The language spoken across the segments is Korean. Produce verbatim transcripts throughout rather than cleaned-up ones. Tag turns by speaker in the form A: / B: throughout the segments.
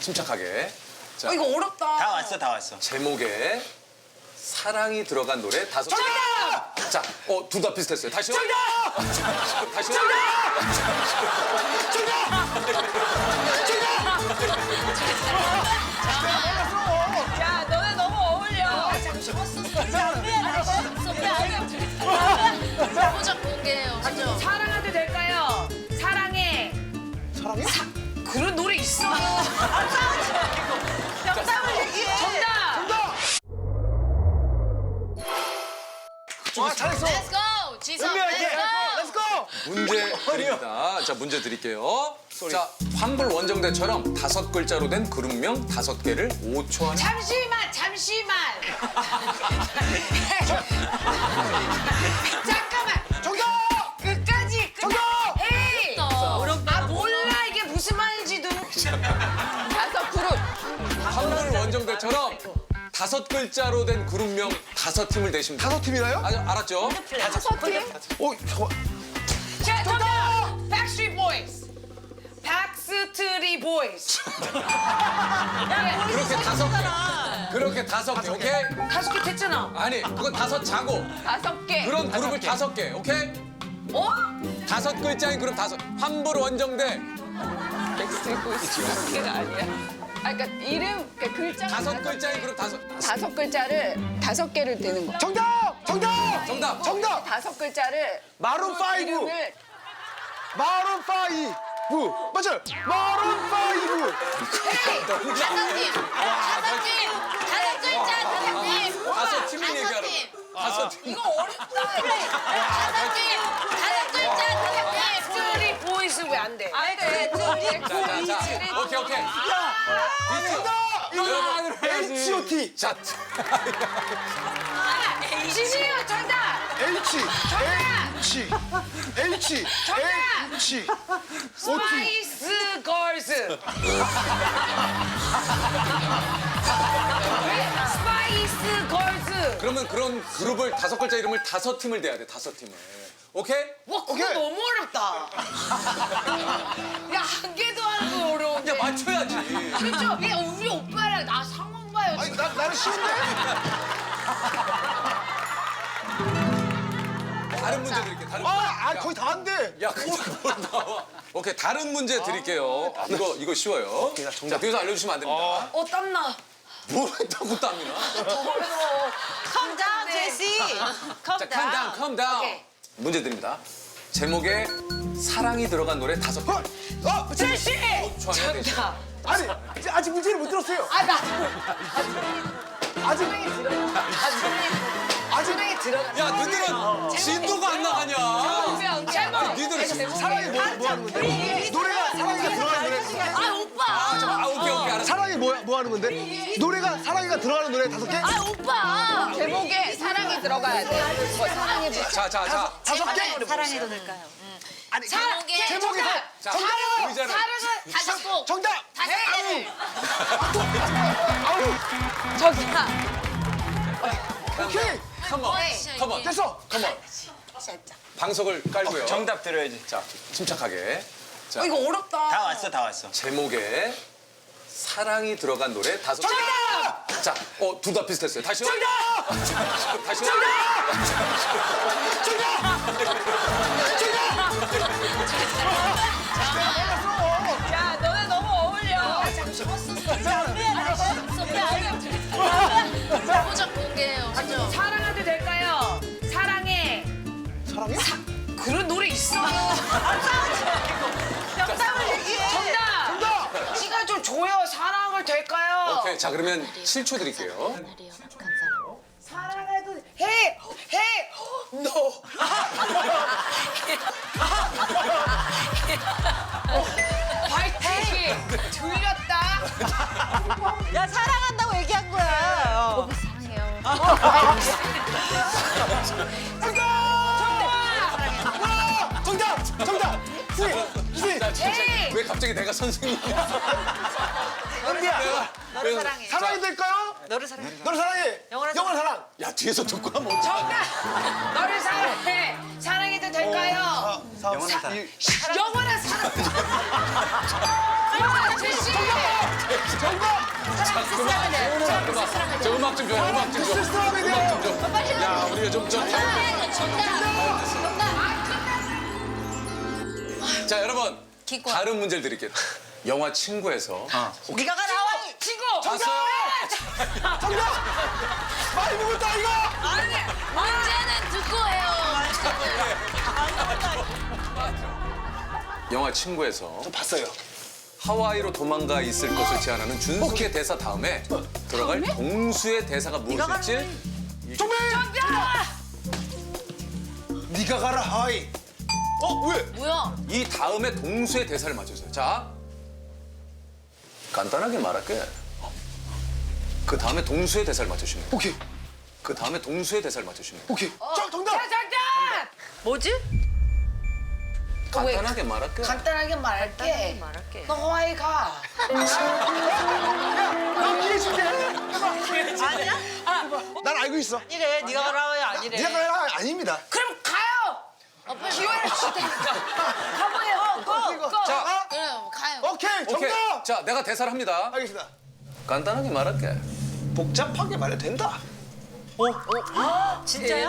A: 침착하게. 자,
B: 어, 이거 어렵다.
C: 다 왔어, 다 왔어.
A: 제목에 사랑이 들어간 노래 다섯 개.
B: 정답!
A: 자, 어, 둘 다 비슷했어요. 다시요.
B: 정답!
A: 다시요.
B: 야, 너네 너무 어울려.
D: 보자 공개해요. 그죠?
B: 사랑해도 될까요? 사랑해.
E: 사랑해?
B: 그런 노래 있어. 정답을 얘기해. 정답.
E: 정답! 와, 잘했어.
D: Let's go. 지성.
E: 은비 화이팅!
D: Let's go.
E: 렛츠고!
A: 문제 드립니다. 자, 문제 드릴게요. 자, 환불 원정대처럼 다섯 글자로 된 그룹명 다섯 개를 오 초 안에.
B: 잠시만, 잠시만. 잠깐만.
E: 정답!
B: 끝까지. 끝.
E: 정답!
B: 에이.
D: 어렵다.
B: 아, 몰라 이게 무슨 말인지도. 다섯 그룹.
A: 환불 원정대처럼 다섯 글자로 된 그룹명 다섯 팀을 내시면 돼요.
E: 다섯 팀이나요?
A: 아, 알았죠?
B: 다섯 팀?
E: 어, 잠깐만.
B: 자, 정답. Backstreet Boys. 박스트리 보이스.
A: 그렇게 다섯 개. 그렇게 다섯 개, 오케이?
B: 다섯 개 됐잖아.
A: 아니, 그건 다섯 자고.
B: 다섯 개.
A: 그런 그룹을 다섯 개, 오케이?
B: 어?
A: 다섯 글자인 그룹 다섯. 환불 원정대
B: 백스트리트 보이스 다섯 개가 아니야. 아, 그러니까 이름, 그러니까 글자
A: 다섯 글자인 그룹 다섯.
B: 다섯 글자를 다섯 개를 되는 거야.
E: 정답! 정답!
A: 정답.
E: 정답!
B: 다섯 글자를
E: 마룬 파이브!
B: 이름을
E: 마룬 파이브! 맞아요! 마룬 파이브!
D: 다섯 팀. 다섯 팀. 다섯 글자 다섯 팀.
A: 다섯 팀을
D: 다섯
A: 얘기하라고.
D: 팀.
A: 다섯 팀.
B: 이거 어렵다.
D: 다섯 팀. 다섯 글자 다섯 팀.
B: 백스트리 보이스 왜 안 돼? 안 돼.
A: 자, 자, 자. 오케이, 오케이.
E: 정답! 에이치 오 티!
A: 자,
B: 지시요 정답.
E: H! H! H!
B: 정답!
E: H! 오 티!
B: 스파이스 걸스. 스파이스 걸스.
A: 그러면 그런 그룹을 다섯 글자 이름을 다섯 팀을 대야 돼, 다섯 팀을. 오케이?
B: 와, 그거
E: 오케이.
B: 너무 어렵다. 야, 한 개도 하는 거 어려운데.
A: 야, 맞춰야지.
B: 그렇죠? 야, 우리 오빠랑 나 상황 봐요.
E: 아니, 나, 나는 쉬운데?
A: 다른 문제 드릴게요, 다른
E: 아,
A: 문제.
E: 아, 거의 다 안 돼!
A: 야, 그냥 뭘 나와. 오케이, 다른 문제 드릴게요. 이거, 이거 쉬워요. 자, 뒤에서 알려주시면 안 됩니다.
B: 어, 땀나.
A: 뭘 했다고 땀이나?
B: 어려워.
D: Calm down, 제시.
A: 자, calm down, calm down.
B: 오케이.
A: 문제 드립니다. 제목에 사랑이 들어간 노래 다섯 개.
E: 어! 어!
B: 제시!
A: 초 안에 내시면
B: 정답.
E: 아니, 이제 아직 문제를 못 들었어요.
B: 아, 나.
E: 아직,
B: 사랑이 들어가. 아, 사랑이
E: 아직.
B: 사랑이 들어가.
A: 야, 너희들은 진도가 안 나가냐?
B: 제목.
A: 니들은 지금
E: 사랑이 뭐, 뭐 하는 건데? 노래가 사랑이가 들어가는 노래.
D: 아 오빠.
A: 아, 오케이, 오케이, 알았어.
E: 사랑이 뭐, 뭐 하는 건데? 노래가 사랑이가 들어가는 노래 다섯 개?
D: 아 오빠.
B: 제목에 사랑이 들어가야 돼. 뭐 사랑이 뭐.
A: 자, 자, 자.
E: 다섯 개?
D: 사랑해도 될까요?
E: 아니,
D: 제목에
E: 제목이
B: 정답.
A: 자,
E: 정답!
A: 의자를.
B: 사랑은
D: 다섯 곡.
E: 정답!
D: 다섯 개를.
B: 정답.
E: 오케이!
A: 컴온, 컴온.
E: 됐어!
A: 컴온. 방석을 깔고요.
C: 정답 들어야지.
A: 자, 침착하게. 자,
B: 어, 이거 어렵다.
C: 다 왔어, 다 왔어.
A: 제목에 사랑이 들어간 노래 다섯 개.
B: 정답!
A: 자, 어, 둘 다 비슷했어요. 다시요.
B: 정답!
A: 다시요.
B: 야, 너네 너무 어울려.
D: 보자 공개해요. 그죠?
B: 사랑해도 될까요? 사랑해.
E: 사랑해?
B: 그런 노래 있어. 정답을 얘기해. 정답.
E: 정답!
B: 시간 좀 줘요. 사랑을 될까요?
A: 오케이, 자, 그러면 칠 초 드릴게요.
B: 사랑해도 해. 해. 너. 파이팅. 들렸다.
F: 야 사랑한다고 얘기한 거야.
E: 정답! 정답! 스윗! 스윗!
A: 자, 진짜
B: 에이.
A: 왜 갑자기 내가 선생님이야?
E: 은비야!
A: 너를
F: 사랑해.
E: 사랑이 될까요?
F: 너를 사랑해.
E: 너를 사랑해!
F: 영원한
E: 영원한 사랑!
A: 야, 뒤에서 듣고 하면 어떡해.
B: 정답. 너를 사랑해. 사랑해도 될까요?
C: 영원한 사랑.
B: 영원한 사랑. 영원한 제시.
A: 자, 그만. 자, 그만. 저 음악 좀 줘요. 음악 좀 줘. 음악 좀 줘. 야, 우리가 좀 좀.
D: 정답. 정답. 정답.
A: 자, 여러분.
D: 기권.
A: 다른 문제를 드릴게요. 영화 친구에서
F: 네가 가 나와.
B: 친구.
A: 봤어요?
E: 많이 먹었다 이거.
D: 문제는 듣고 해요.
A: 영화 친구에서
E: 저 봤어요.
A: 하와이로 도망가 있을 것을 제안하는 준숙의 대사 다음에 들어갈 동수의 대사가 무엇일지
E: 정배. 네가 가라 하와이. 어 왜?
D: 뭐야?
A: 이 다음에 동수의 대사를 맞춰주세요. 자, 간단하게 말할게. 그 다음에 동수의 대사를 맞춰주시면 돼요.
E: 오케이
A: 그 다음에 동수의 대사를 맞춰주시면 돼요.
E: 오케이. 정 정답.
B: 정답.
F: 뭐지?
A: 간단하게 말할게.
B: 간단하게 말할게.
F: 말할게.
B: 너 하와이 가.
E: 나 기회 줄게.
F: 아니야?
E: 난 알고 있어.
F: 아니래. 네가 가라 하와이 아니래.
E: 네가 가라 아닙니다.
B: 그럼 가요.
D: 오빠
B: 기회를 줄 테니까. 가봐요. 고. 고.
A: 자,
D: 그럼 가요.
E: 오케이 정답.
A: 오케이. 자, 내가 대사를 합니다.
E: 알겠습니다.
A: 간단하게 말할게.
E: 복잡하게 말해도 된다.
F: 진짜야?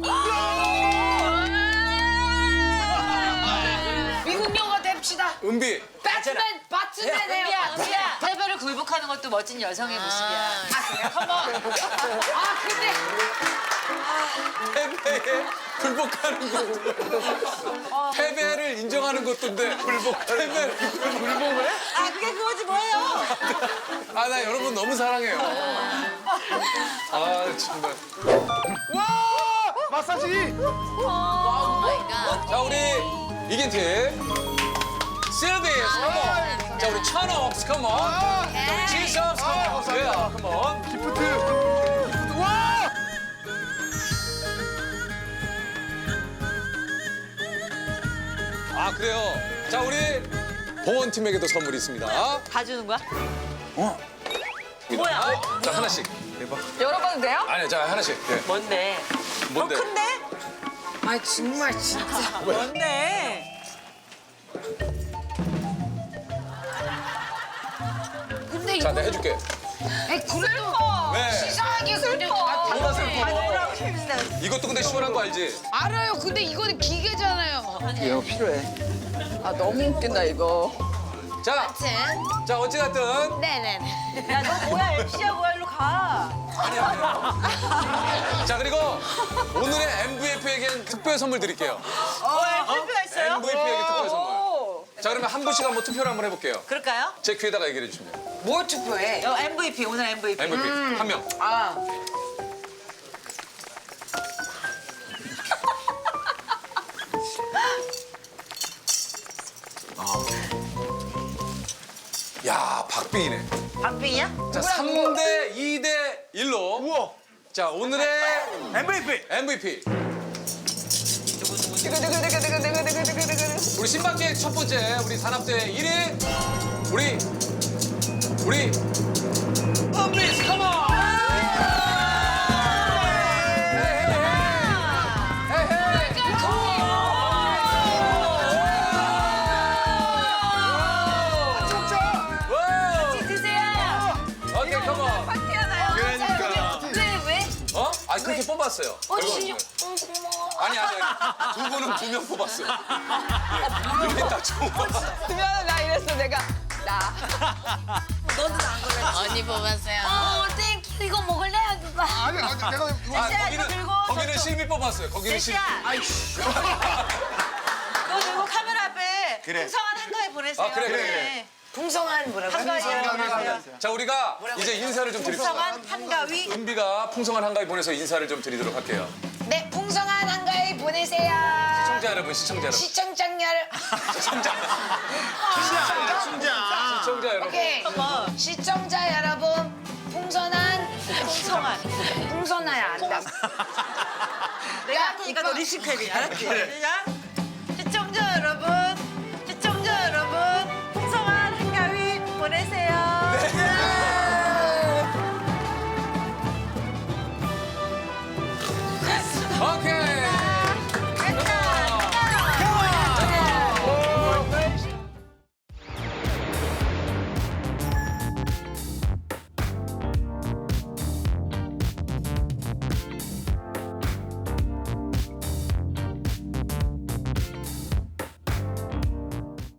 B: 미국 영화 됩시다.
A: 은비.
B: 배트맨, 배트맨 해요.
F: 은비야, 은비야. 패배를 굴복하는 것도 멋진 여성의 모습이야.
B: 아, 그래? 컴온. 아, 근데
A: 패배에 불복하는 것도. 패배를 인정하는 것도인데 불복. 패배를 불복을 해?
F: 아, 그게 그거지 뭐예요?
A: 아, 나 여러분 너무 사랑해요. 아, 정말.
E: 와 마사지.
D: 오 마이 갓.
A: 자, 우리 이긴 팀. 실비, 컴온. 자, 우리 천옥스, 컴온. 자, 우리 지석스, 컴온. 예, 컴온.
E: 기프트. 기프트. 와.
A: 아, 그래요. 자, 우리 보원팀에게도 선물이 있습니다.
F: 다 주는 거야?
A: 뭐야? 자, 하나씩.
B: 열어봐도 돼요?
A: 아니, 자, 하나씩. 예.
F: 뭔데?
A: 뭔데?
F: 더 큰데?
B: 아, 정말 진짜.
F: 뭔데?
B: 근데
A: 자,
B: 이거
A: 내가 해줄게.
B: 아이, 그래도
A: 네.
B: 이상하게 그냥 다
A: 뭐가
B: 다르네.
A: 슬퍼?
F: 하늘하고 힘내.
A: 이것도 근데 시원한 거 알지?
B: 알아요. 근데 이거는 기계잖아요.
E: 이거 필요해.
B: 아, 너무 웃긴다 이거.
A: 자,
D: 아무튼
A: 자, 어찌됐든.
D: 네네네.
F: 야, 너 뭐야? 엠씨야 뭐야? 일로 가.
A: 자, 그리고 오늘의 엠브이피에겐 특별 선물 드릴게요.
F: 어, 엠씨가 있어요?
A: 엠브이피에게 특별 선물. 자, 그러면 한 분씩 한번 투표를 한번 해볼게요.
F: 그럴까요?
A: 제 귀에다가 얘기를 해주시면 돼요.
B: 뭘 투표해?
F: 어, 엠브이피, 오늘 엠브이피.
A: 엠브이피 한 명.
B: 아.
A: 야, 박빙이네.
F: 박빙이야?
A: 자, 삼 대 이 대 일로.
E: 우와.
A: 자, 오늘의
E: 엠브이피.
A: 엠브이피. 우리 신박계 첫 번째, 우리 산업대 일 위. 우리, 우리, 은비스, 컴온! 오케이, 컴온.
D: 근데 왜?
A: 어? 아, 그렇게 뽑았어요.
D: 어,
A: 이거.
D: 진짜. 어, 고마워.
A: 아니, 아니, 아니. 두 분은 두 명 뽑았어요. 예. 여기 딱 좋은 거.
B: 미안해, 나 이랬어, 내가. 나.
F: 너도 안 그래.
D: 언니 뽑았어요. 어, 땡큐. 이거 먹을래? 누가?
E: 아니 아니 내가 이거
A: 아,
F: 제시야,
A: 거기는,
F: 이거 들고
A: 거기는
F: 저쪽.
A: 실비 뽑았어요. 거기는 실비.
F: 제시야. 너 들고 카메라 앞에
E: 그래.
F: 풍성한 한가위 보내세요.
A: 아, 그래, 그래, 그래.
F: 네.
B: 풍성한 뭐라고?
F: 한가위 보내세요.
A: 자, 우리가 이제 인사를 좀 드립시다.
F: 풍성한 한가위.
A: 은비가 풍성한 한가위 보내서 인사를 좀 드리도록 할게요.
B: 네, 풍성한 한가위 보내세요.
A: 시청자 여러분, 시청자 여러분.
B: 시청자 여러분.
A: 시청자. 시청자 여러분.
B: 오케이. 시청자 여러분, 풍선한
F: 풍성한.
B: 풍선해야 한다.
F: 내가 하니까 너 리스크해야 알았지? 시작.